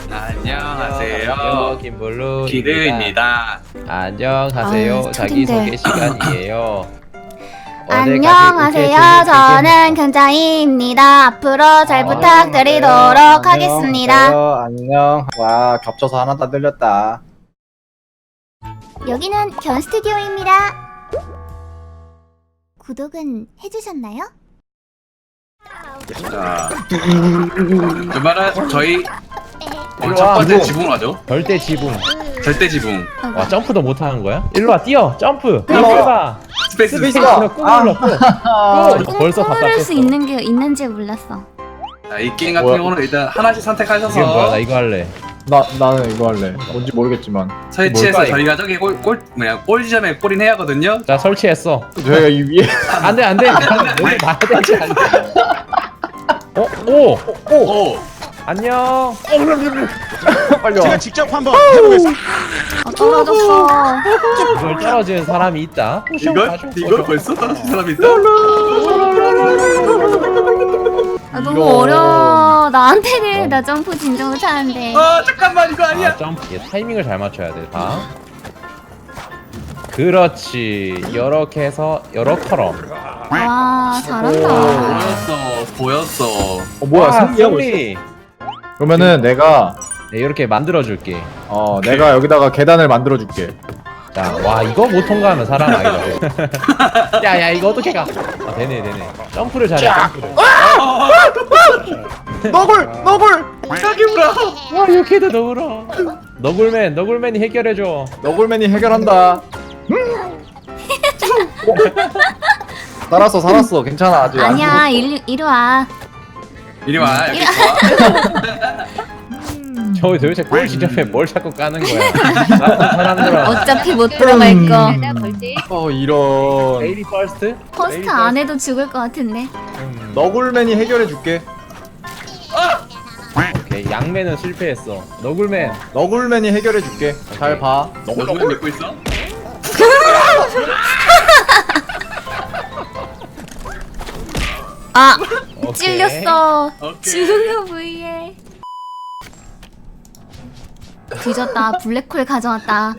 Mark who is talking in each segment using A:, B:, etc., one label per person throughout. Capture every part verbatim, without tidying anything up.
A: 안녕하세요.
B: 김블루
A: 기르입니다.
B: 안녕하세요.
C: 아유,
B: 자기소개
C: 스토리인데.
B: 시간이에요.
C: 안녕하세요. 저는 견자이입니다. 앞으로 잘 부탁드리도록
D: 안녕,
C: 하겠습니다.
D: 안녕하세요. 안녕. 와, 겹쳐서 하나 다 들렸다.
C: 여기는 견 스튜디오입니다. 구독은 해주셨나요?
A: 자, 그러면 저희 어,
B: 일로
A: 첫
B: 와,
A: 번째
B: 이거.
A: 지붕 하죠.
B: 절대 지붕.
A: 절대 지붕.
B: 와 점프도 못 하는 거야? 일로 와 뛰어 점프.
D: 뛰어.
B: 이거 해봐.
A: 스페이스.
D: 스페이스.
B: 꾹 눌러 꾹.
D: 아,
B: 꾹. 벌써
C: 꾸밀
B: 답답했어.
C: 수 있는 게 있는지 몰랐어.
A: 자, 이 게임 같은
D: 뭐야?
A: 경우는 일단 하나씩 선택하셔서
B: 이게 뭐야? 나 이거 할래.
D: 나 나는 이거 할래. 뭔지 모르겠지만
A: 설치해서
B: 뭘까,
A: 저희가 저기 골, 골 뭐냐 골 지점에 골인 해야 하거든요.
B: 자 설치했어.
D: 저희가 이 위에
B: 안돼 안돼. 여기 봐야 되지 않나? 어? 오!
A: 오.
B: 안녕.
D: 빨리 와.
E: 제가 직접 한번 해보겠습니다.
C: 어, 떨어졌어.
B: 이걸 떨어지는 사람이 있다.
A: 이걸 이걸 벌써 떨어진 사람이 있다.
C: 아, 너무
D: 이거.
C: 어려워. 나한테는 나 점프 진짜 못하는데.
A: 아 잠깐만 이거 아니야.
B: 아, 점프. 이게 타이밍을 잘 맞춰야 돼. 봐. 그렇지. 이렇게 해서 이렇게럼.
C: 와, 잘한다.
A: 보였어 보였어.
D: 어 뭐야?
B: 와,
D: 승리하고 있어.
B: 승리.
D: 그러면은 내가
B: 네, 이렇게 만들어 줄게.
D: 어 내가 여기다가 계단을 만들어 줄게.
B: 자, 와 이거 못 통과하면 사람 아니다. 야야 이거 어떻게 가? 아 되네 되네. 점프를 잘해. 점프를.
D: 너굴 너굴
A: 여기 울어.
B: 와 이렇게도 너울어. 너굴맨 너굴맨이 해결해 줘.
D: 너굴맨이 해결한다. 살았어 살았어 괜찮아 아직. 안
C: 아니야, 이리, 이리 와.
A: 이리 와 여기
B: 저 도대체 골 지점에 뭘 자꾸 까는 거야? 나쁜 사람들아.
C: 어차피 못 들어갈 거.
D: 죽었어. 어 이런.
B: 레이디 퍼스트?
C: 퍼스트 안 해도 죽을 것 같은데.
B: 음,
D: 너굴맨이 해결해 줄게.
B: 오케이 양맨은 실패했어. 너굴맨.
D: 너굴맨이 해결해 줄게. 잘 봐.
A: 너 누구 믿고 있어?
C: 아,
B: 오케이.
C: 찔렸어.
A: 오케이.
C: 지우려 부위에. 뒤졌다. 블랙홀 가져왔다.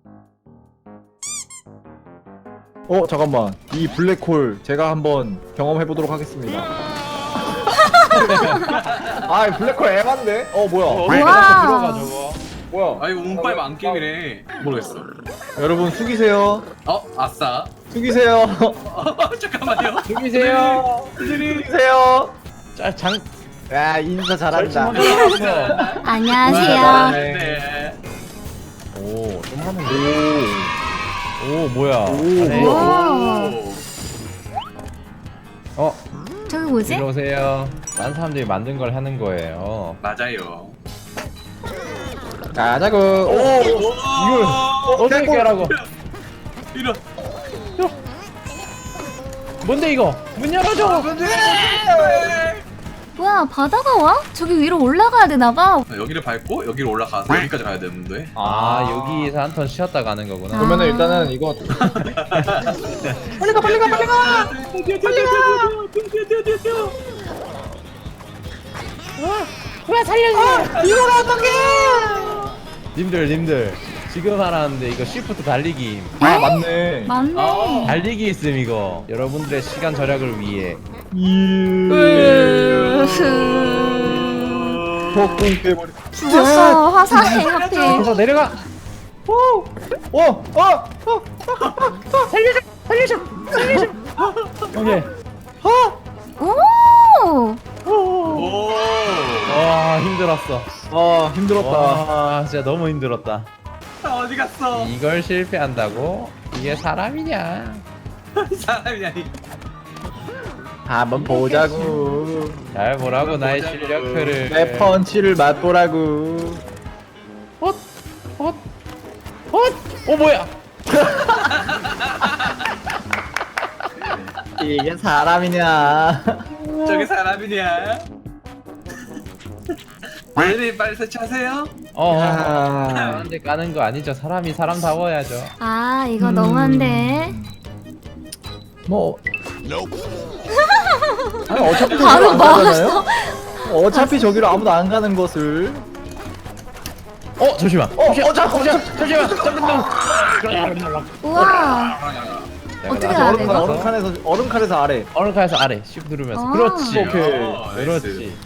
D: 어 잠깐만 이 블랙홀 제가 한번 경험해 보도록 하겠습니다. 아 블랙홀 애만데? 어 뭐야?
B: 어,
C: 우와.
B: 들어가 저거.
D: 뭐야?
A: 아 이거 운빨 만게임이래. 모르겠어.
D: 여러분 숙이세요.
A: 어 아싸.
D: 숙이세요.
A: 잠깐만요.
B: 죽이세요.
D: 숙이세요.
B: 자, 장.
D: 야 인사 잘한다.
C: 안녕하세요.
A: 네.
B: 오, 좀 하는데. 오, 뭐야?
D: 오,
B: 잘해.
C: 뭐야?
A: 오.
B: 어,
C: 저기 뭐지?
B: 일로 오세요. 딴 사람들이 만든 걸 하는 거예요.
A: 맞아요.
D: 가자고.
A: 오,
B: 이걸 어떻게 하라고?
A: 이런.
B: 뭔데 이거? 문 열어줘.
C: 뭐야, 바다가 와? 저기 위로 올라가야 되나봐.
A: 여기를 밟고 여기를 올라가서 여기까지 가야 되는데.
B: 아, 여기서 한 턴 쉬었다 가는 거구나.
D: 그러면은 일단은 이거
A: 빨리 가 빨리 가 빨리 가. 뛰어 뛰어 뛰어 뛰어 뛰어 뛰어 뛰어.
B: 왜 살려줘? 이걸 어떻게? 님들, 님들. 지금 하라는데 이거 시프트 달리기.
D: 아 맞네.
C: 맞네.
A: 아.
B: 달리기 있음 이거. 여러분들의 시간 절약을 위해.
D: 폭풍 깨버리.
C: 죽었어. 화살에 하필.
B: 그래서 내려가.
D: 어, 어, 어.
B: 살려줘, 살려줘, 살려줘. 오케이.
C: 오!
A: 오.
B: 와 힘들었어.
D: 아 힘들었다.
B: 와 진짜 너무 힘들었다.
A: 나 어디 갔어?
B: 이걸 실패한다고? 이게 사람이냐?
A: 사람이 아니.
D: 한번 보자고.
B: 잘 보라고 나의
A: 보자고.
B: 실력표를.
D: 내 펀치를 맛보라고.
B: 헛, 헛, 헛. 어 뭐야?
D: 이게 사람이냐?
A: 저기 사람이냐? 네 빨리 설치하세요.
B: 어.
D: 야.
B: 사람한테 까는 거 아니죠? 사람이 사람다워야죠.
C: 아, 이거 너무한데.
D: 뭐 아니 어차피
C: 바로
D: 저기로 안 가잖아요?
C: 막았어.
D: 어차피 저기로 아무도 안 가는 것을
B: 어 잠시만.
D: 어, 어, 잠깐만.
B: 잠시만. 잠깐만.
C: 우와. 어떻게 해야
D: 얼음,
C: 돼,
D: 칸,
C: 이거?
D: 얼음 칸에서 얼음 칸에서 아래.
B: 얼음칸에서 아래 쉬프트 누르면서.
C: 아.
B: 그렇지.
D: 오케이.
B: 그렇지.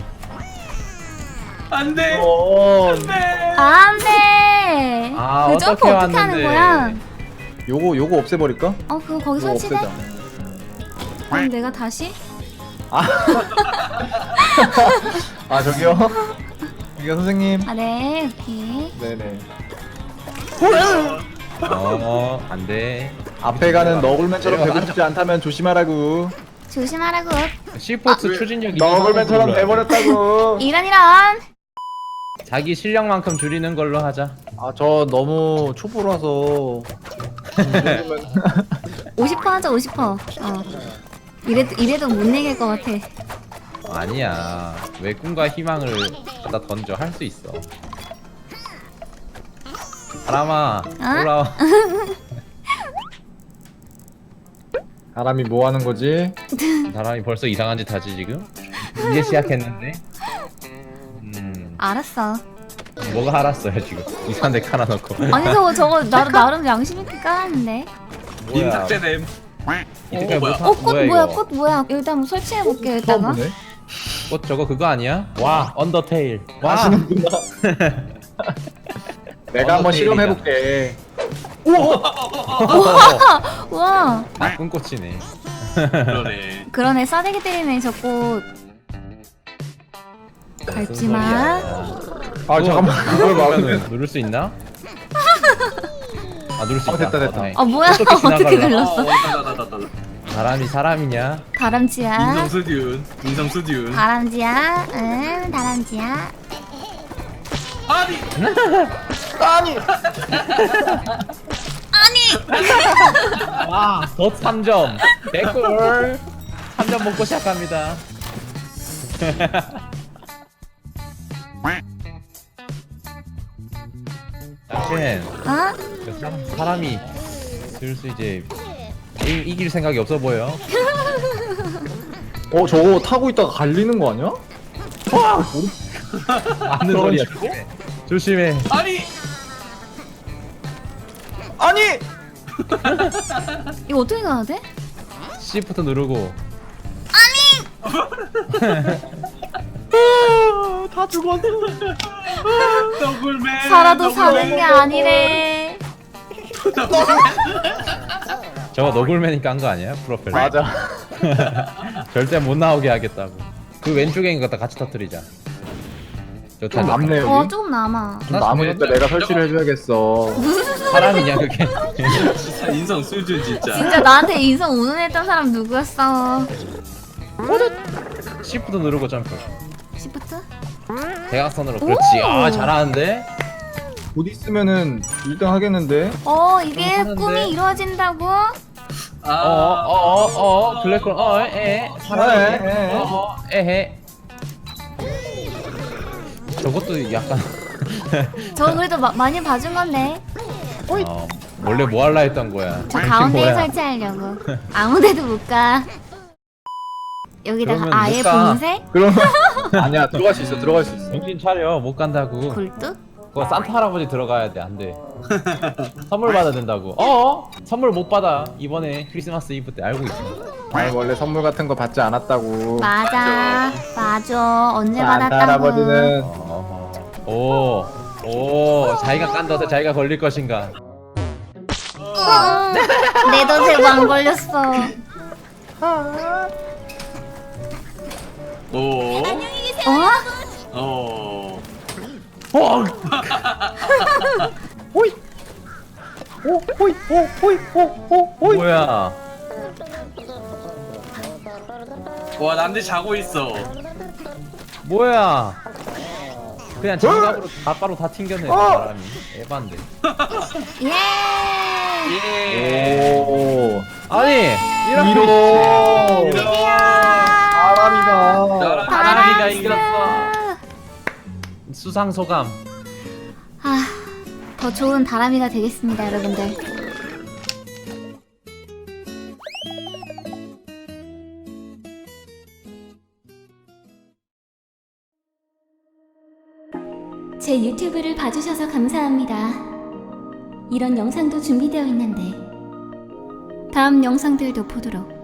A: 안돼.
D: 어,
A: 안돼.
C: 안 돼.
B: 아,
C: 그 점프
B: 어떻게
C: 어떻게 하는
B: 왔는데.
C: 거야?
D: 요거 요거 없애버릴까?
C: 어, 그거 거기
D: 요거
C: 설치돼?
D: 없애자.
C: 그럼 내가 다시?
D: 아 저기요. 저기요 선생님.
C: 아, 네, 오케이.
D: 네네.
B: 어 안돼.
D: 앞에 가는 너굴맨처럼
B: 내려가,
D: 되고 싶지 않다면 조심하라고.
C: 조심하라고.
B: 시포트 추진력이
D: 너굴맨처럼 돼버렸다고.
C: 이런, 이런.
B: 자기 실력만큼 줄이는 걸로 하자.
D: 아 저 너무 초보라서.
C: 오십 퍼센트 하자, 오십 퍼센트. 어. 이래도, 이래도 못 내길 것 같아.
B: 아니야. 왜 꿈과 희망을 갖다 던져 할 수 있어. 사람아
C: 어?
B: 올라와.
D: 사람이 뭐 하는 거지?
B: 사람이 벌써 이상한 짓 하지 지금? 이제 시작했는데. 음
C: 알았어.
B: 뭐가 알았어요 지금? 이상한 데 깔아놓고.
C: 아니, 저거, 저거, 나, 나름 양심 있게 깔았는데.
A: 님
B: 뭐야?
A: 삭제됨.
B: 이때까지
A: 어, 뭐야?
B: 못한-
C: 어, 꽃
B: 뭐야,
C: 뭐야,
B: 이거?
C: 꽃 뭐야. 일단 한번 설치해볼게,
D: 처음
C: 여기다가.
D: 보네.
B: 꽃 저거 그거 아니야? 와 언더테일. 와.
D: 아시는구나. 내가 한번
B: 언더테일이다.
D: 실험해볼게.
C: 우와.
B: 나쁜 꽃이네.
A: 그러네.
C: 그러네, 싸대기 때리네, 저 꽃. 밟지 마.
D: 아 잠깐만. 그걸 막으면.
B: 그러면 누를 수 있나? 아 누를 수
D: 어,
B: 있다.
D: 됐다, 됐다.
B: 다행이다.
C: 아, 뭐야.
B: 어떻게
C: 어떻게
B: 지나갈라?
C: 눌렀어?
A: 다다다다다.
B: 사람이 사람이냐?
C: 다람쥐야.
A: 인성 수준. 인성 수준.
C: 다람쥐야. 응, 다람쥐야.
A: 아니.
B: 와, 덧 삼 점. 개꿀. 삼 점 먹고 시작합니다. 당신,
C: 어?
B: 그 사람, 사람이 슬슬 이제 이, 이길 생각이 없어 보여.
D: 어 저거 타고 있다가 갈리는 거 아니야?
B: 맞는
D: 저런
B: 소리야.
D: 식으로?
B: 조심해.
A: 아니.
D: 아니.
C: 이거 어떻게 가야 돼?
B: C부터 누르고.
D: 다 죽었어.
A: 너굴맨.
C: 살아도 사는 게 아니래.
B: 저거 너굴맨이 깐 거 아니야? 프로펠러.
D: 맞아.
B: 절대 못 나오게 하겠다고. 그 왼쪽에 있는 거 같이 터뜨리자. 좋다.
D: 좀 남네 여기.
C: 어, 조금 남아.
D: 좀 남으니까 내가 설치를 해줘야겠어.
B: 사람이냐 그게?
A: 진짜 인성 수준 진짜.
C: 진짜 나한테 인성 운운했던 사람 누구였어?
B: C부터 누르고 점프.
C: 시프트?
B: 대각선으로. 그렇지. 아 잘하는데?
D: 곧 있으면은 일 등 하겠는데?
C: 어, 이게
B: 하는데?
C: 꿈이 이루어진다고?
A: 아.
B: 어어어어 블랙홀 어에 사람이
D: 에, 에.
B: 어어 에헤. 저것도 약간
C: 저 그래도 마, 많이 봐준 건데.
B: 어, 원래 뭐 할라 했던 거야.
C: 저
B: 당신
C: 가운데에
B: 뭐야?
C: 설치하려고. 아무데도 못 가. 여기다가
B: 그러면
C: 아예
B: 못 가.
C: 봉쇄?
D: 그러면 아니야 들어갈 수 있어 들어갈 수 있어.
B: 정신 차려 못 간다고.
C: 굴뚝?
B: 그거 산타 할아버지 들어가야 돼. 안 돼. 선물 받아야 된다고. 어? 선물 못 받아. 이번에 크리스마스 이브 때 알고 있어.
D: 아니 원래 선물 같은 거 받지 않았다고.
C: 맞아. 맞아. 언제
D: 산타
C: 받았다고.
D: 할아버지는
B: 어. 오. 오. 자기가 깐다서 자기가 걸릴 것인가?
C: 응. 내 덫에도 안 걸렸어.
A: 오.
C: 어?
A: 어.
B: 어.
D: 호이. 오 호이 오 호이 오 오 호이.
B: 뭐야?
A: 와 남들 자고 있어.
B: 뭐야? 그냥 장갑으로 가까로 다 튕겨내. 그 사람이. 에반데.
C: 예.
A: 예.
D: 오.
B: 아니 이렇게
D: 이로.
A: 이런.
D: 사람이가.
B: 바람이가 이겼어. 수상 소감.
C: 아, 더 좋은 다람이가 되겠습니다, 여러분들. 제 유튜브를 봐주셔서 감사합니다. 이런 영상도 준비되어 있는데 다음 영상들도 보도록